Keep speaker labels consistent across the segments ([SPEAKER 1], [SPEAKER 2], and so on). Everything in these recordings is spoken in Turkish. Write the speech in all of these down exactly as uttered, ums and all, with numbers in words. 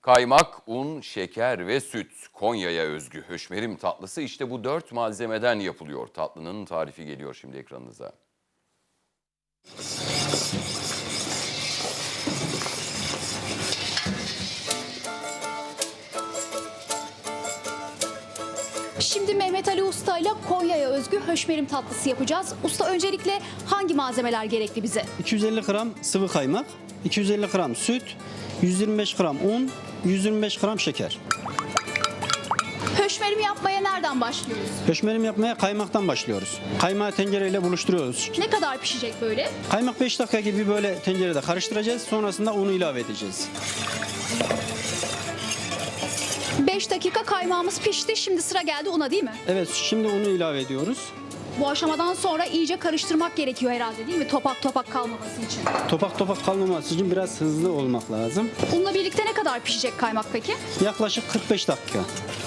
[SPEAKER 1] Kaymak, un, şeker ve süt. Konya'ya özgü höşmerim tatlısı işte bu dört malzemeden yapılıyor. Tatlının tarifi geliyor şimdi ekranınıza.
[SPEAKER 2] Şimdi Mehmet Ali Usta ile Konya'ya özgü höşmerim tatlısı yapacağız. Usta, öncelikle hangi malzemeler gerekli bize?
[SPEAKER 3] iki yüz elli gram sıvı kaymak, iki yüz elli gram süt, yüz yirmi beş gram un, yüz yirmi beş gram şeker.
[SPEAKER 2] Höşmerim yapmaya nereden başlıyoruz?
[SPEAKER 3] Höşmerim yapmaya kaymaktan başlıyoruz. Kaymağı tencereyle buluşturuyoruz.
[SPEAKER 2] Ne kadar pişecek böyle?
[SPEAKER 3] Kaymak beş dakika gibi böyle tencerede karıştıracağız. Sonrasında unu ilave edeceğiz.
[SPEAKER 2] beş dakika kaymağımız pişti. Şimdi sıra geldi una, değil mi?
[SPEAKER 3] Evet, şimdi unu ilave ediyoruz.
[SPEAKER 2] Bu aşamadan sonra iyice karıştırmak gerekiyor herhalde, değil mi? Topak topak kalmaması için.
[SPEAKER 3] Topak topak kalmaması için biraz hızlı olmak lazım.
[SPEAKER 2] Unla birlikte ne kadar pişecek kaymak peki?
[SPEAKER 3] Yaklaşık kırk beş dakika.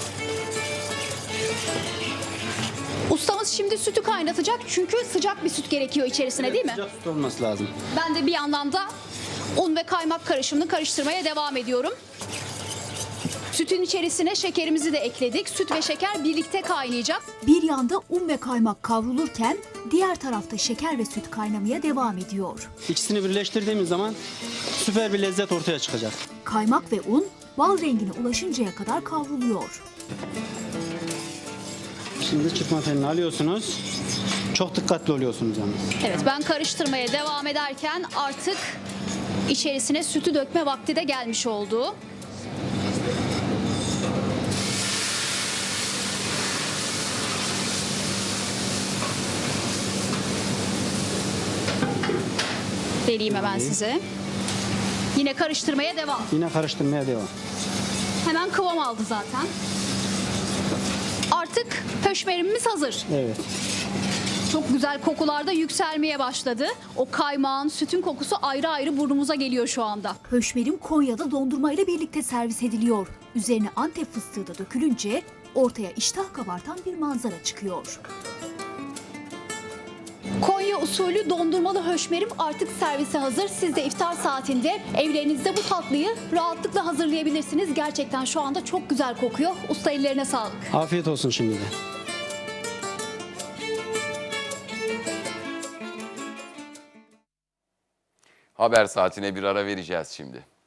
[SPEAKER 2] Ustamız şimdi sütü kaynatacak çünkü sıcak bir süt gerekiyor içerisine, değil mi?
[SPEAKER 3] Sıcak süt olması lazım.
[SPEAKER 2] Ben de bir yandan da un ve kaymak karışımını karıştırmaya devam ediyorum. Sütün içerisine şekerimizi de ekledik. Süt ve şeker birlikte kaynayacak.
[SPEAKER 4] Bir yanda un ve kaymak kavrulurken diğer tarafta şeker ve süt kaynamaya devam ediyor.
[SPEAKER 3] İkisini birleştirdiğimiz zaman süper bir lezzet ortaya çıkacak.
[SPEAKER 4] Kaymak ve un bal rengine ulaşıncaya kadar kavruluyor.
[SPEAKER 3] Şimdi çırpma telini alıyorsunuz. Çok dikkatli oluyorsunuz yalnız.
[SPEAKER 2] Evet, ben karıştırmaya devam ederken artık içerisine sütü dökme vakti de gelmiş oldu. Vereyim hemen size. Yine karıştırmaya devam.
[SPEAKER 3] Yine karıştırmaya devam.
[SPEAKER 2] Hemen kıvam aldı zaten. Artık höşmerimimiz hazır.
[SPEAKER 3] Evet.
[SPEAKER 2] Çok güzel kokular da yükselmeye başladı. O kaymağın, sütün kokusu ayrı ayrı burnumuza geliyor şu anda.
[SPEAKER 4] Höşmerim Konya'da dondurma ile birlikte servis ediliyor. Üzerine Antep fıstığı da dökülünce ortaya iştah kabartan bir manzara çıkıyor.
[SPEAKER 2] Konya usulü dondurmalı höşmerim artık servise hazır. Siz de iftar saatinde evlerinizde bu tatlıyı rahatlıkla hazırlayabilirsiniz. Gerçekten şu anda çok güzel kokuyor. Usta, ellerine sağlık.
[SPEAKER 3] Afiyet olsun şimdi de.
[SPEAKER 1] Haber saatine bir ara vereceğiz şimdi.